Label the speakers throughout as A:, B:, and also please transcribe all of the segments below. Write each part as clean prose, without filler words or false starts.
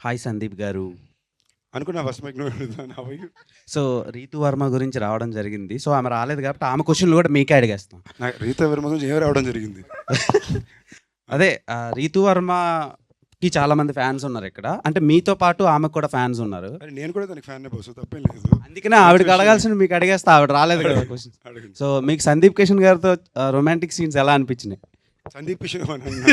A: Hi Sandeep గారు.
B: అనుకున్నా first mike నువ్వు అడుగుతాను. How are you?
A: So, Ritu Varma గురించి రావడం జరిగింది. సో, ఆమె రాలేదు కాబట్టి ఆమె క్వెషన్‌లు కూడా మీకే అడిగేస్తాం.
B: నాకు రీతా వర్మ గురించి ఏం రావడం జరిగింది.
A: అదే రీతు వర్మకి చాలామంది ఫ్యాన్స్ ఉన్నారిక్కడ. అంటే మీతో పాటు ఆమెకు కూడా ఫ్యాన్స్ ఉన్నారు.
B: అరే నేను కూడా దానికి ఫ్యాన్ బాస్, తప్పేం లేదు.
A: అందుకనే ఆవిడకి అడగాల్సింది మీకు అడిగేస్తా. ఆవిడ రాలేదు కదా క్వెషన్స్.
B: అడగండి.
A: సో, మీకు సందీప్ కిషన్ గారితో రొమాంటిక్ సీన్స్ ఎలా అనిపించినాయి?
B: సందీప్ కిషన్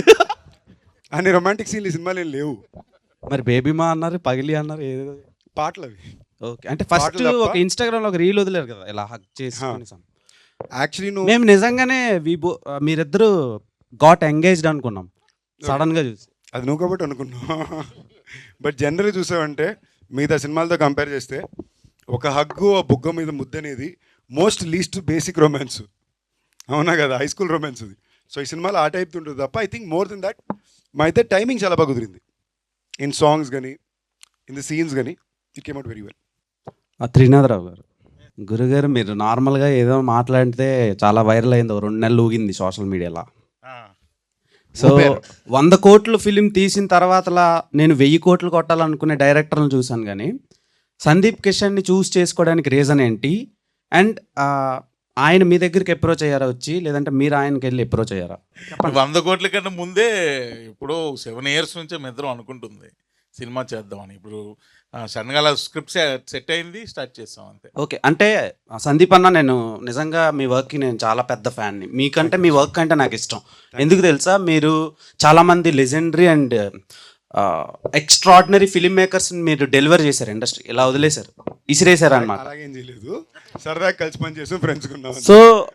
B: అన్ని రొమాంటిక్ సీన్లు ఈ సినిమాలు ఏం లేవు.
A: మరి బేబీమా అన్నారు, పగిలి అన్నారు ఏదో.
B: పాటలు అవి.
A: ఓకే. అంటే ఫస్ట్
B: పాటలు తప్ప-
A: ఒక ఇన్‌స్టాగ్రామ్‌లో ఒక రీల్ వదిలారు కదా! ఇలా హగ్ చేసుకొని
B: యాక్చువల్లీ నువ్వు
A: మేము నిజంగానే మీరిద్దరూ గాట్ ఎంగేజ్డ్ అనుకున్నాం సడన్‌గా చూసి.
B: అది నువ్వు కాబట్టి అనుకున్నావు. బట్ జనరల్గా చూసావంటే మిగతా సినిమాలతో కంపేర్ చేస్తే ఒక హగ్గు ఆ బుగ్గ మీద ముద్ద అనేది మోస్ట్ లీస్ట్ బేసిక్ రొమాన్స్. అవునా కదా, హై స్కూల్ రొమాన్స్ అది. సో ఈ సినిమాలో ఆ టైప్ ఉంటుంది తప్ప I think more than that మా అయితే టైమింగ్ చాలా బాగా కుదిరింది. ఇన్ సాంగ్స్ కానీ ఇన్ ది సీన్స్ కానీ it came out very well.
A: Trinadharao గారు, గురుగారు మీరు నార్మల్గా ఏదో మాట్లాడితే చాలా వైరల్ అయింది. 2 నెలలు ఊగింది సోషల్ మీడియాలో. సో 100 కోట్లు ఫిలిం తీసిన తర్వాతలా నేను 1000 కోట్లు కొట్టాలనుకునే డైరెక్టర్లను చూశాను. కానీ సందీప్ కిషన్ని చూస్ చేసుకోవడానికి రీజన్ ఏంటి? అండ్ ఆయన మీ దగ్గరికి అప్రోచ్ అయ్యారా వచ్చి, లేదంటే మీరు ఆయనకి వెళ్ళి అప్రోచ్ అయ్యారా?
C: 100 కోట్ల కన్నా ముందే ఇప్పుడు 7 years నుంచే మేము ఇద్దరం అనుకుంటుంది సినిమా చేద్దామని. ఇప్పుడు సడన్గా అలా స్క్రిప్ట్ సెట్ అయింది, స్టార్ట్ చేస్తాం అంతే.
A: ఓకే. అంటే సందీప్ అన్న, నేను నిజంగా మీ వర్క్కి నేను చాలా పెద్ద ఫ్యాన్ని. మీకంటే మీ వర్క్ అంటే నాకు ఇష్టం. ఎందుకు తెలుసా? మీరు చాలామంది లెజెండరీ అండ్ ఎక్స్ట్రాడినరీ ఫిల్మ్ మేకర్స్ని మీరు డెలివర్ చేశారు. ఇండస్ట్రీ ఇలా వదిలేశారు, ఇసిరేశారు అనమాట.
B: అలాగేం చేయలేదు, సరదాగా కలిసి పని చేసాం, ఫ్రెండ్స్ ఉన్నాం.
A: సో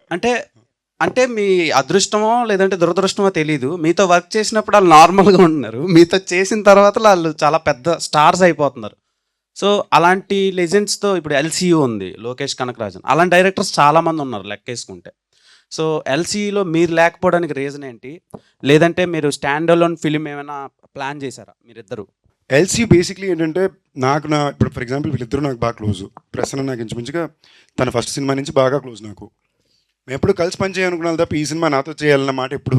A: అంటే మీ అదృష్టమో లేదంటే దురదృష్టమో తెలీదు, మీతో వర్క్ చేసినప్పుడు వాళ్ళు నార్మల్గా ఉంటున్నారు, మీతో చేసిన తర్వాత వాళ్ళు చాలా పెద్ద స్టార్స్ అయిపోతున్నారు. సో అలాంటి లెజెండ్స్తో ఇప్పుడు ఎల్సీయూ ఉంది, లోకేష్ కనకరాజన్, అలాంటి డైరెక్టర్స్ చాలామంది ఉన్నారు లెక్కేసుకుంటే. సో ఎల్సీయూలో మీరు లేకపోవడానికి రీజన్ ఏంటి? లేదంటే మీరు స్టాండ్ అలోన్ ఫిలిం ఏమైనా ప్లాన్ చేశారా మీరిద్దరు?
B: ఎల్సీ బేసిక్లీ ఏంటంటే నాకు ఇప్పుడు ఫర్ ఎగ్జాంపుల్ వీళ్ళిద్దరూ నాకు బాగా క్లోజ్. ప్రసన్న నాకు ఇంచుమించుగా తన ఫస్ట్ సినిమా నుంచి బాగా క్లోజ్ నాకు. మేము ఎప్పుడు కలిసి పని చేయాలనుకున్నాను తప్ప ఈ సినిమా నాతో చేయాలన్న మాట ఎప్పుడు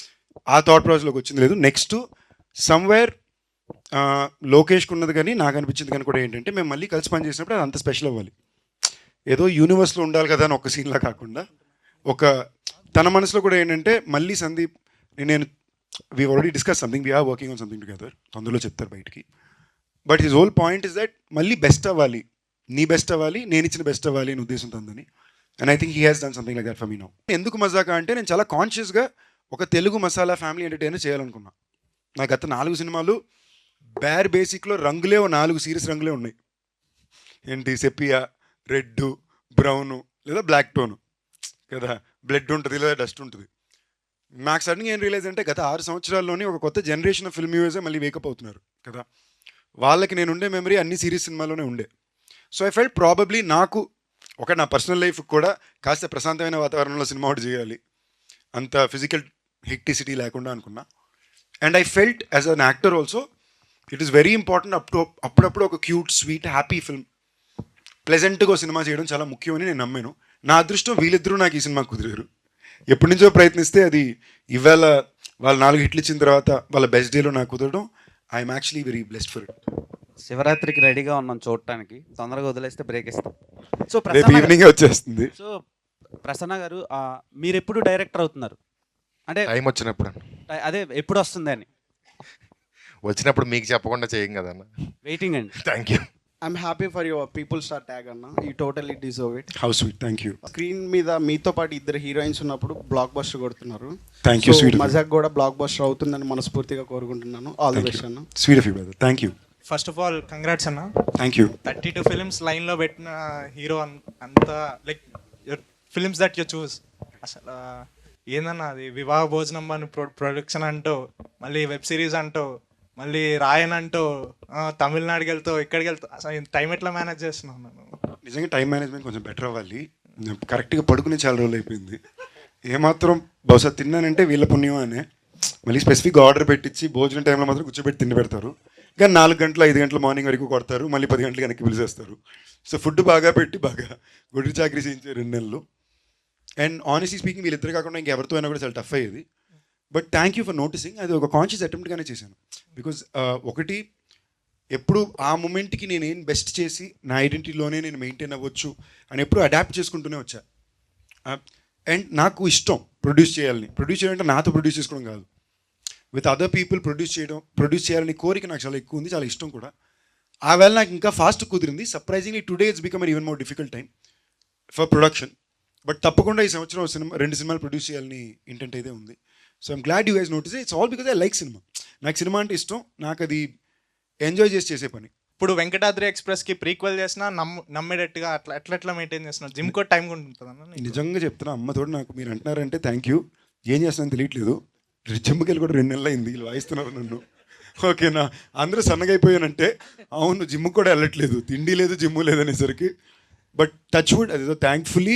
B: ఆ థాట్ ప్రాసెస్లోకి వచ్చింది లేదు. నెక్స్ట్ సమ్వేర్ లోకేష్కి ఉన్నది కానీ నాకు అనిపించింది కానీ కూడా ఏంటంటే మేము మళ్ళీ కలిసి పని చేసినప్పుడు అది అంత స్పెషల్ అవ్వాలి. ఏదో యూనివర్స్లో ఉండాలి కదా అని ఒక సీన్లా కాకుండా ఒక తన మనసులో కూడా ఏంటంటే మళ్ళీ సందీప్ నేను we already discuss something, we're working on something together, తొందరలో చెప్తారు బయటికి. But his whole point is that మళ్ళీ బెస్ట్ అవ్వాలి, నీ బెస్ట్ అవ్వాలి, నేను ఇచ్చిన బెస్ట్ అవ్వాలి అని ఉద్దేశం ఉందని. And I think he has done something like that for me now. ఎందుకు మజాకా అంటే నేను చాలా కాన్షియస్గా ఒక తెలుగు మసాలా ఫ్యామిలీ ఎంటర్టైనర్ చేయాలనుకున్నా. నా గత 4 సినిమాలు బేర్ బేసిక్లో రంగులే 4 సీరియస్ రంగులే ఉన్నాయి. ఏంటి, సెపియా, రెడ్, బ్రౌను లేదా బ్లాక్ టోను కదా, బ్లడ్ ఉంటుంది లేదా డస్ట్ ఉంటుంది. నాకు సడన్గా ఏం రియలైజ్ అంటే గత 6 సంవత్సరాల్లోనే ఒక కొత్త జనరేషన్ ఆఫ్ ఫిల్మ్ వ్యూవర్సే మళ్ళీ వేకప్ అవుతున్నారు కదా. వాళ్ళకి నేను ఉండే మెమరీ అన్ని సిరీస్ సినిమాలోనే ఉండే. సో ఐ ఫెల్ట్ ప్రాబబ్లీ నాకు ఒక నా పర్సనల్ లైఫ్ కూడా కాస్త ప్రశాంతమైన వాతావరణంలో సినిమా ఒకటి చేయాలి, అంత ఫిజికల్ హెక్టిసిటీ లేకుండా అనుకున్నా. And I felt as an actor also it is very important అప్పుడప్పుడు ఒక క్యూట్ స్వీట్ హ్యాపీ ఫిల్మ్ ప్లెజెంట్గా సినిమా చేయడం చాలా ముఖ్యమని నేను నమ్మాను. నా అదృష్టం వీళ్ళిద్దరూ నాకు ఈ సినిమా కుదిరారు. ఎప్పటి నుంచో ప్రయత్నిస్తే అది ఇవాళ వాళ్ళు 4 హిట్లు ఇచ్చిన తర్వాత వాళ్ళ బెస్ట్ డేలో నాకు కుదరడం I'm actually very blessed for it.
A: శివరాత్రికి రెడీగా ఉన్నాం చూడటానికి, తొందరగా వదిలేస్తే బ్రేక్ ఇస్తాం. సో
B: రేపు ఈవినింగ్ వచ్చేస్తుంది.
A: సో ప్రసన్న గారు, మీరు ఎప్పుడు డైరెక్టర్ అవుతున్నారు? అంటే
D: టైం వచ్చినప్పుడు
A: అదే ఎప్పుడు వస్తుంది అని
D: వచ్చినప్పుడు మీకు చెప్పకుండా చేయం కదన్న.
A: వెయిటింగ్ అండి.
D: Thank you.
E: I'm happy for your people star tag అన్న. You totally deserve it.
B: How sweet, thank you.
E: Screen మీద మీతో పాటు ఇద్దరు హీరోయిన్స్ ఉన్నప్పుడు బ్లాక్ బస్టర్ కొడుతున్నారు.
B: Thank you sweet.
E: మజాక్ కూడా బ్లాక్ బస్టర్ అవుతుందని మనస్ఫూర్తిగా కోరుకుంటున్నాను. ఆల్ ది బెస్ట్ అన్న.
B: Sweet of you brother, thank you.
F: First of all congrats అన్న.
B: Thank you.
F: 32 ఫిలిమ్స్ లైన్లో పెట్టిన హీరో అంతా like films that you choose. అసలు ఏందన్నా అది వివాహ భోజనం అని ప్రొడక్షన్ అంటూ, మళ్ళీ వెబ్ సిరీస్ అంటూ, మళ్ళీ రాయన్ అంటూ, తమిళనాడుకి వెళ్తావు, ఇక్కడికి వెళ్తావు. అసలు టైం ఎట్లా మేనేజ్ చేస్తున్నావు నన్ను?
B: నిజంగా టైం మేనేజ్మెంట్ కొంచెం బెటర్ అవ్వాలి. కరెక్ట్గా పడుకునే చాలా రోజులు అయిపోయింది. ఏమాత్రం బహుశా తిన్నానంటే వీళ్ళ పుణ్యం అనే. మళ్ళీ స్పెసిఫిక్గా ఆర్డర్ పెట్టించి భోజనం టైంలో మాత్రం కూర్చోబెట్టి తిండి పెడతారు. కానీ 4 గంటలు 5 గంటల మార్నింగ్ వరకు కొడతారు, మళ్ళీ 10 గంటలకు వెనక్కి పిలిచేస్తారు. సో ఫుడ్ బాగా పెట్టి బాగా గుడి చాకరీ చేయించారు 2 నెలలు. అండ్ ఆనెస్ట్లీ స్పీకింగ్ వీళ్ళిద్దరు కాకుండా ఇంకెవరితో అయినా కూడా చాలా టఫ్ అయ్యేది. But thank you for noticing. అది ఒక కాన్షియస్ అటెంప్ట్గానే చేశాను. బికాజ్ ఒకటి ఎప్పుడు ఆ మూమెంట్కి నేను ఏం బెస్ట్ చేసి నా ఐడెంటిటీలోనే నేను మెయింటైన్ అవ్వచ్చు అని ఎప్పుడు అడాప్ట్ చేసుకుంటూనే వచ్చా. అండ్ నాకు ఇష్టం ప్రొడ్యూస్ చేయాలంటే నాతో ప్రొడ్యూస్ చేసుకోవడం కాదు, విత్ అదర్ పీపుల్ ప్రొడ్యూస్ చేయాలని కోరిక నాకు చాలా ఎక్కువ ఉంది, చాలా ఇష్టం కూడా. ఆ వేళ నాకు ఇంకా ఫాస్ట్ కుదిరింది. Surprisingly today it's become an even more difficult time for production. But తప్పకుండా ఈ సంవత్సరం 2 సినిమాలు ప్రొడ్యూస్ చేయాలని ఇంటెంట్ అయితే ఉంది. So I'm glad you guys notice. It's all because I like cinema. నాకు సినిమా అంటే ఇష్టం, నాకు అది ఎంజాయ్ చేసే పని.
F: ఇప్పుడు వెంకటాద్రి ఎక్స్ప్రెస్కి ప్రీక్వెల్ చేసినా నమ్మేటట్టుగా అట్లా మెయింటైన్ చేస్తున్నాను. జిమ్ కూడా టైం కూడా ఉంటుంది.
B: నిజంగా చెప్తున్నా, అమ్మతోడు నాకు మీరు అంటున్నారంటే థ్యాంక్ యూ. ఏం చేస్తున్నాను తెలియట్లేదు. జిమ్కి వెళ్ళి కూడా 2 నెలలు అయింది, వీళ్ళు వాయిస్తున్నారు నన్ను. ఓకేనా, అందరూ సన్నగైపోయానంటే అవును, జిమ్కి కూడా వెళ్ళట్లేదు, తిండి లేదు జిమ్ లేదు అనేసరికి. బట్ టచ్ వుడ్, అదేదో thankfully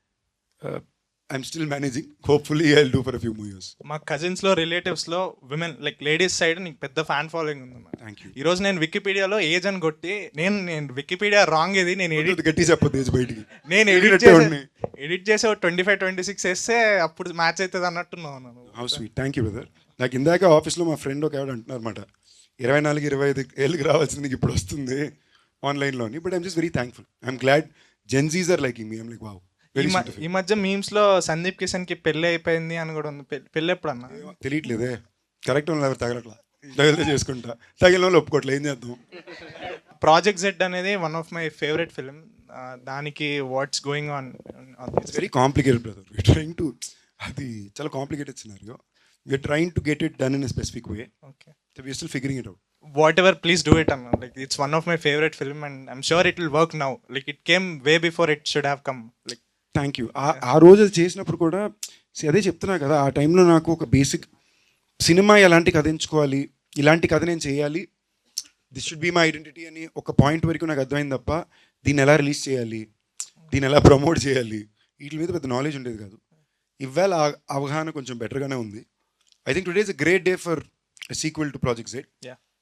B: I'm still managing. Hopefully I will do for a few more years.
F: మా కజిన్స్లో రిలేటివ్స్లో విమెన్ లైక్ లేడీస్ సైడ్ నీకు పెద్ద ఫ్యాన్ ఫాలోయింగ్ ఉంది.
B: Thank you.
F: ఈరోజు నేను వికీపీడియాలో ఏజ్ అని కొట్టి నేను వికీపీడియా రాంగ్ ఇది నేను
B: గట్టి చెప్పొద్దు ఏజ్ బయటికి.
F: నేను ఎడిట్ చేసే 25-26 వేస్తే అప్పుడు మ్యాచ్ అవుతుంది అన్నట్టున్నాను.
B: How sweet, thank you brother. నాకు ఇందాక ఆఫీస్లో మా ఫ్రెండ్ ఒక ఆవిడ అంటున్నారు అనమాట, 24-25 ఏళ్ళకి రావాల్సింది నీకు ఇప్పుడు వస్తుంది ఆన్లైన్లోని. But I'm just very thankful. I'm glad Gen Zs are liking me. I'm like wow.
F: ఈ మధ్య మీమ్స్ లో సందీప్ కిషన్ కి పెళ్లి అయిపోయింది అని కూడా ఉంది. పెళ్లి ఎప్పుడు అన్న
B: తెలియట్లేదే. కరెక్ట్ ఎవరు తగలట్లా, తగిలితే చేసుకుంటా, తగిలిన వాళ్ళు ఒప్పుకోవట్లేదు, ఏం చేద్దాం.
F: ప్రాజెక్ట్ జెడ్ అనేది one of my favourite film. దానికి what's going on?
B: It's very complicated brother. We're trying to, అది చాలా complicated scenario. We're trying to get it done in a specific way.
F: Okay,
B: we're still figuring it out.
F: whatever, please do it, Anna. Like, it's one of my favorite film and I'm sure it will work now. Like, it came way before it should have come. Like,
B: thank you. ఆ రోజు అది చేసినప్పుడు కూడా అదే చెప్తున్నా కదా, ఆ టైంలో నాకు ఒక బేసిక్ సినిమా ఎలాంటి కథ ఎంచుకోవాలి, ఇలాంటి కథ నేను చేయాలి, this should be my identity అని ఒక పాయింట్ వరకు నాకు అర్థమైంది తప్ప దీన్ని ఎలా రిలీజ్ చేయాలి, దీన్ని ఎలా ప్రమోట్ చేయాలి, వీటి మీద పెద్ద నాలెడ్జ్ ఉండేది కాదు. ఇవాళ అవగాహన కొంచెం బెటర్గానే ఉంది. I think today is a great day for sequel to project Z.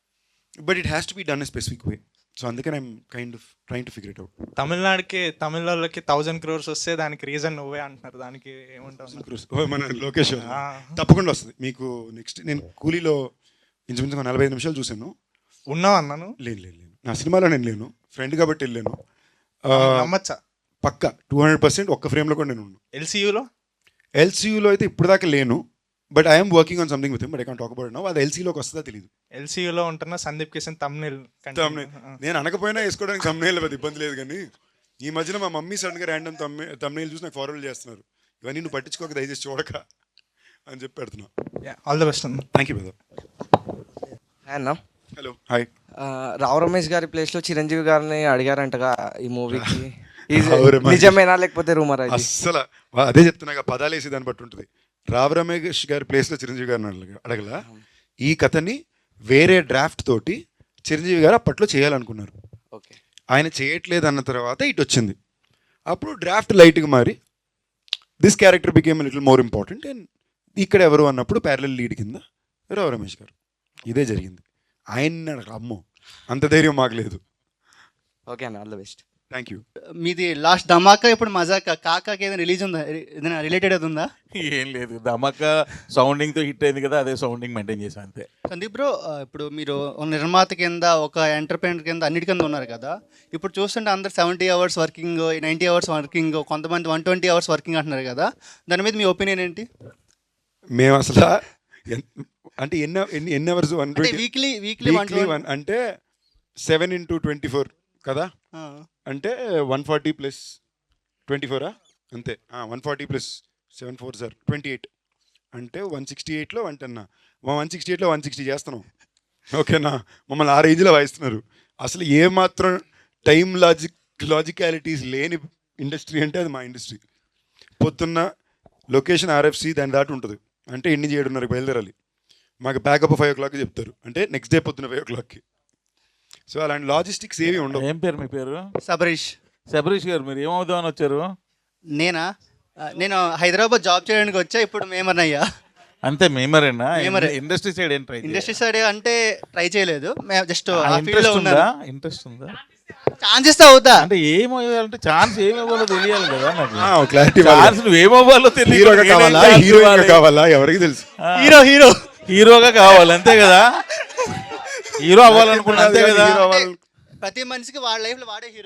B: But it has to be done a specific way. So అందుకని I'm kind of trying to figure it out.
F: తమిళ వాళ్ళకి 1000 crores వస్తే దానికి reason నువ్వే అంటున్నారు. దానికి ఏమంటావు?
B: మన లోకేష్ తప్పకుండా వస్తుంది మీకు. నెక్స్ట్ నేను కూలీలో ఇంచుమించు 45 నిమిషాలు చూశాను.
F: ఉన్నావు అన్నాను.
B: లేను, నా సినిమాలో నేను లేను, ఫ్రెండ్ కాబట్టి వెళ్ళాను.
F: నమ్మచ్చా?
B: పక్కా 200% ఒక్క ఫ్రేమ్లో కూడా నేను ఉన్నాను. ఎల్సీయూలో అయితే ఇప్పుడు దాకా లేను, but I'm working on something with him, but I can't talk about now. అది ఎల్సీలోకి వస్తుందా తెలియదు.
F: ఎల్సీయూలో ఉంటున్న సందీప్ కిషన్ తమ్నేల్
B: నేను అనకపోయినా వేసుకోవడానికి తమ్నేల్ పెద్ద ఇబ్బంది లేదు. కానీ ఈ మధ్యన మా మమ్మీ సడన్గా ర్యాండమ్ తమ్నేల్ చూసి నాకు ఫార్వర్డ్ చేస్తున్నారు, ఇవన్నీ నువ్వు పట్టించుకోక దయచేసి చూడక అని చెప్పి పెడుతున్నా.
F: ఆల్ ద బెస్ట్ అన్న.
B: Thank you brother.
G: అన్న,
B: హలో, హాయ్.
G: రావు రమేష్ గారి ప్లేస్లో చిరంజీవి గారిని అడిగారంటగా ఈ మూవీకి.
B: రావు రమేష్
G: నిజమేనా లేకపోతే రూమర్?
B: అస్సలు అదే చెప్తున్నా, పదాలు వేసి దాన్ని బట్టి ఉంటుంది. రావు రమేష్ గారి ప్లేస్లో చిరంజీవి గారిని అడగల. ఈ కథని వేరే డ్రాఫ్ట్ తోటి చిరంజీవి గారు అప్పట్లో చేయాలనుకున్నారు.
G: ఓకే,
B: ఆయన చేయట్లేదు అన్న తర్వాత ఇటు వచ్చింది. అప్పుడు డ్రాఫ్ట్ లైట్గా మారి this character became little more important. And ఇక్కడ ఎవరు అన్నప్పుడు ప్యారలల్ లీడ్ కింద రావు రమేష్ గారు. ఇదే జరిగింది. ఆయన అమ్మో అంత ధైర్యం మాకు లేదు.
G: ఓకే అన్న, all the best.
B: Thank you.
E: మీది లాస్ట్ ధమాకా, ఇప్పుడు మజాకా, కాకాకి ఏదైనా రిలీజ్ ఉందా? ఏదైనా రిలేటెడ్ అది ఉందా?
C: ఏం లేదు, ధమాకా సౌండింగ్తో హిట్ అయింది కదా, అదే సౌండింగ్ మెయింటైన్ చేసాం అంతే.
E: సందీప్ బ్రో, ఇప్పుడు మీరు ఒక నిర్మాత కింద, ఒక ఎంటర్ప్రైనర్ కింద, అన్నిటి కింద ఉన్నారు కదా. ఇప్పుడు చూస్తుంటే అందరు 70 hours వర్కింగ్, 90 hours వర్కింగ్, కొంతమంది 120 hours వర్కింగ్ అంటున్నారు కదా. దాని మీద మీ ఒపీనియన్ ఏంటి?
B: మేము అసలు అంటే ఎన్ని అవర్స్?
E: వీక్లీ
B: అంటే 7 into 24 కదా, అంటే 140 + 24 అంతే. 140 + 7 4 సార్ 28 అంటే 168లో 168లో 160 చేస్తున్నాం. ఓకేనా, మమ్మల్ని ఆ రేంజ్లో వాయిస్తున్నారు. అసలు ఏమాత్రం టైం లాజికాలిటీస్ లేని ఇండస్ట్రీ అంటే అది మా ఇండస్ట్రీ. పొద్దున్న లొకేషన్ RFC దాని దాటి ఉంటుంది, అంటే 7:30 బయలుదేరాలి. మాకు బ్యాకప్ 5 o'clock చెప్తారు, అంటే నెక్స్ట్ డే పొద్దున్న 5 o'clock. సో అలాంటి లాజిస్టిక్స్ ఏవి ఉండవు.
C: ఏం పేరు మీ పేరు?
E: సబరీష్
C: గారు. మీరు ఏమవుదామని వచ్చారు?
E: నేను హైదరాబాద్ జాబ్ చేయడానికి వచ్చా. ఇప్పుడు మేమర్నయ్యా.
C: అంతే, మేమరేనా? ఇండస్ట్రీ సైడ్ ఏం ట్రై?
E: ఇండస్ట్రీ సైడ్ అంటే ట్రై చేయలేదు, జస్ట్
C: ఇంట్రెస్ట్ ఉందా?
E: ఛాన్స్ ఇస్తే అవుతా.
C: అంటే ఏమవ్వాలంటే ఛాన్స్ ఏమవ్వాలో తెలియాలి కదా నాకు.
B: క్లారిటీ.
C: ఛాన్స్ నువ్వు ఏమవ్వాలో తెలియదు.
B: కావాలా ఎవరికి తెలుసు.
C: హీరోగా కావాలి అంతే కదా. హీరో అవ్వాలనుకున్నా అంతే కదా.
B: హీరో అవ్వాలి
E: ప్రతి మనిషికి వాళ్ళ లైఫ్లో వాడే హీరో